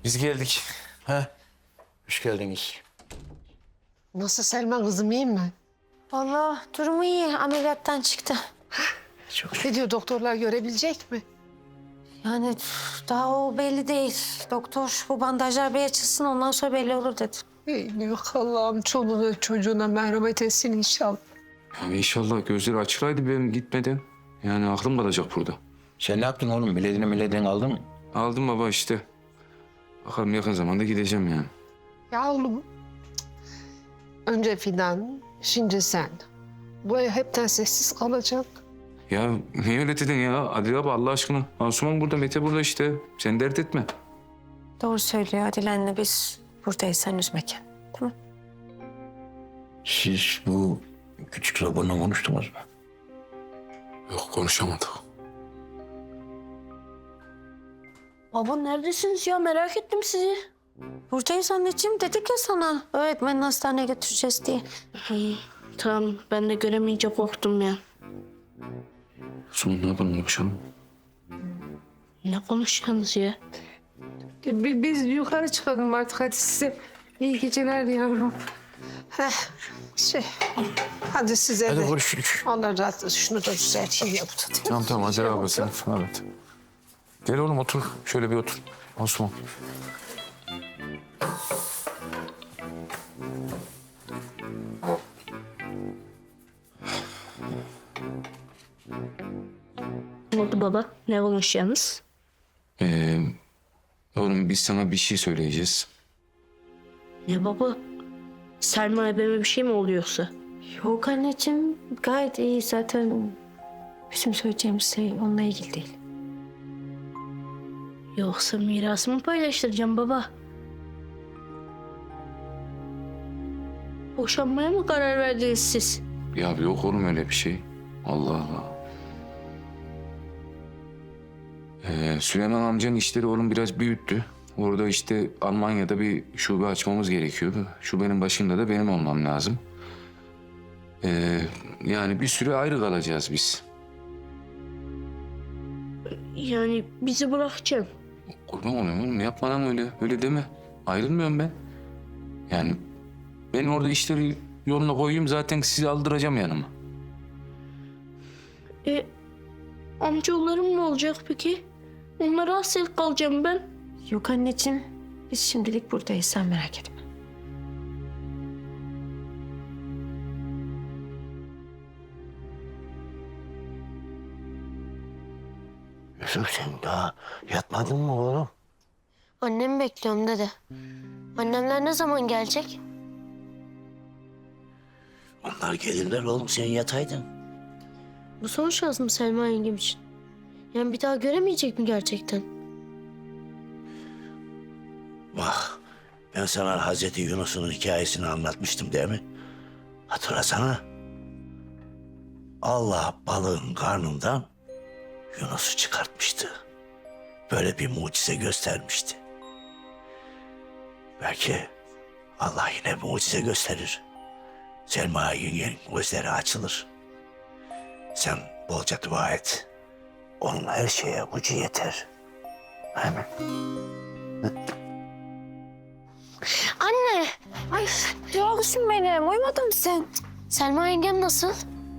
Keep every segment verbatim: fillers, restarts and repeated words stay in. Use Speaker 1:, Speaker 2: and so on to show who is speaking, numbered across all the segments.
Speaker 1: Biz geldik. Ha? Hoş geldiniz.
Speaker 2: Nasıl Selma kızım, iyi mi?
Speaker 3: Vallahi durumu iyi. Ameliyattan çıktı.
Speaker 1: Çok
Speaker 2: Ne diyor, doktorlar görebilecek mi?
Speaker 3: Yani üf, daha o belli değil. Doktor bu bandajlar bir açılsın ondan sonra belli olur dedi.
Speaker 2: Ey yok Allah'ım, çoluğuna çocuğuna merhamet etsin inşallah.
Speaker 4: Yani inşallah gözleri açılaydı benim gitmeden. Yani aklım kalacak burada.
Speaker 1: Sen ne yaptın oğlum? Biletini milletini aldın mı?
Speaker 4: Aldım baba işte. Bakalım yakın zamanda gideceğim yani.
Speaker 2: Ya oğlum, önce Fidan, şimdi sen. Bu ev hepten sessiz kalacak.
Speaker 4: Ya niye öyle dedin ya? Adil abi Allah aşkına. Asuman burada, Mete burada işte. Sen dert etme.
Speaker 3: Doğru söylüyor Adile anne, biz buradayız, sen üzme kendini. Tamam.
Speaker 1: Siz bu küçük robotla konuştunuz mu?
Speaker 4: Yok konuşamadık.
Speaker 3: Baba neredesiniz ya, merak ettim sizi. Buradayız anneciğim, dedik ya sana. Öğretmenin hastaneye götüreceğiz diye.
Speaker 5: İyi, tamam. Ben de göremeyince korktum ya.
Speaker 4: Asuman ne yapalım konuşalım?
Speaker 5: Ne konuşuyorsunuz ya?
Speaker 2: Bi- Biz yukarı çıkalım artık, hadi size iyi geceler yavrum. Heh, şey, hadi size
Speaker 1: Hadi
Speaker 2: de.
Speaker 1: görüşürüz.
Speaker 2: Allah razı olsun, şunu da düzelteyim ya bu da.
Speaker 4: Tamam tamam Adil abi sen. Evet. Gel oğlum otur. Şöyle bir otur. Asuman.
Speaker 5: Ne oldu baba? Ne konuşuyorsunuz?
Speaker 4: Ee, oğlum biz sana bir şey söyleyeceğiz.
Speaker 5: Ne baba? Selma ebeme bir şey mi oluyorsa?
Speaker 3: Yok anneciğim, gayet iyi zaten. Bizim söyleyeceğimiz şey onunla ilgili değil.
Speaker 5: Yoksa mirasımı paylaştıracağım baba? Boşanmaya mı karar verdiniz siz?
Speaker 4: Ya yok oğlum öyle bir şey. Allah Allah. Ee, Süleyman amcanın işleri oğlum biraz büyüttü. Orada işte Almanya'da bir şube açmamız gerekiyordu. Şubenin başında da benim olmam lazım. Ee, yani bir süre ayrı kalacağız biz.
Speaker 5: Yani bizi bırakacaksın.
Speaker 4: Kurban olayım oğlum yapma lan öyle. Öyle deme. Ayrılmıyorum ben. Yani ben orada işleri yoluna koyayım zaten sizi aldıracağım yanıma.
Speaker 5: E, amcaoğullarım ne olacak peki? Onlara hasret kalacağım ben.
Speaker 3: Yok anneciğim, biz şimdilik buradayız, sen merak etme.
Speaker 1: Yusuf sen daha yatmadın mı oğlum?
Speaker 6: Annemi bekliyorum dede. Annemler ne zaman gelecek?
Speaker 1: Onlar gelirler oğlum, sen yataydın.
Speaker 6: Bu son şans mı Selma yengem için? Yani bir daha göremeyecek mi gerçekten?
Speaker 7: Bak, ben sana Hazreti Yunus'un hikayesini anlatmıştım değil mi? Hatırlasana. Allah balığın karnından Yunus'u çıkartmıştı. Böyle bir mucize göstermişti. Belki Allah yine mucize gösterir. Selma yengenin gözleri açılır. Sen bolca dua et. Onun her şeye gücü yeter. Amin.
Speaker 6: Anne!
Speaker 3: Ay yavrusun benim, uyumadın mı sen?
Speaker 6: Selma yengem nasıl?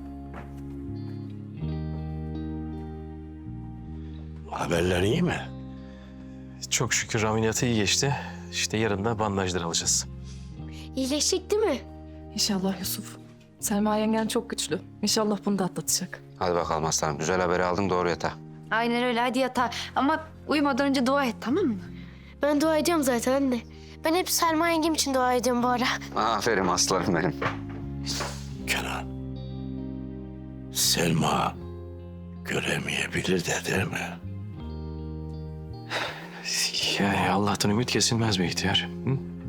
Speaker 7: Haberler iyi mi?
Speaker 8: Çok şükür ameliyatı iyi geçti. İşte yarın da bandajlar alacağız.
Speaker 6: İyileşecek değil mi?
Speaker 9: İnşallah Yusuf. Selma yengen çok güçlü. İnşallah bunu da atlatacak.
Speaker 10: Hadi bakalım aslanım. Güzel haberi aldın, doğru yatağa.
Speaker 9: Aynen öyle, hadi yatağa. Ama uyumadan önce dua et, tamam mı?
Speaker 6: Ben dua ediyorum zaten anne. Ben hep Selma yengem için dua ediyorum bu ara.
Speaker 10: Aferin aslanım benim.
Speaker 7: Kenan. Selma göremeyebilir de değil mi?
Speaker 8: Yani Allah'tan ümit kesilmez be ihtiyar. Hı?